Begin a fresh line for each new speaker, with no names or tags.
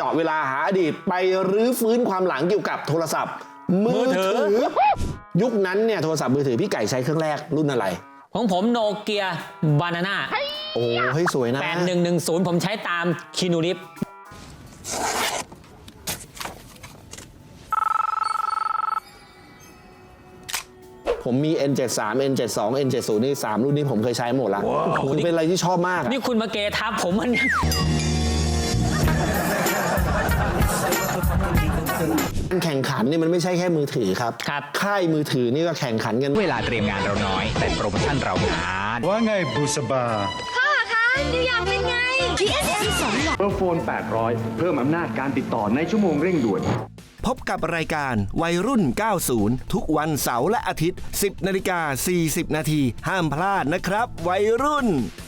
เวลาหาอดีตไปรื้อฟื้นความหลังเกี่ยวกับโทรศัพท์มือถือยุคนั้นเนี่ยโทรศัพท์มือถือพี่ไก่ใช้เครื่องแรกรุ่นอะไร
ของผมโนเกียบานาน่า
โอ้เฮ้ยสวยนะ
8110ผมใช้ตามคีนูริฟ
ผมมี N73 N72 N70 นี่3รุ่นนี้ผมเคยใช้หมดละคือเป็นอะไรที่ชอบมาก
นี่คุณมาเกทับผมมัน
แข่งขันนี่มันไม่ใช่แค่มือถือครับค่ายมือถือนี่ก็แข่งขันกัน
เวลาเตรียมงานเราน้อยแต่โปรโมชั่นเรางาน
ว่าไงบุษบา
พ่อคะนิวยอร์กเป็นไง PSM 2 หลอด
เบอร์โฟน800เพิ่มอำนาจการติดต่อในชั่วโมงเร่งด่วน
พบกับรายการวัยรุ่น 90 ทุกวันเสาร์และอาทิตย์ 10:40 น.ห้ามพลาดนะครับวัยรุ่น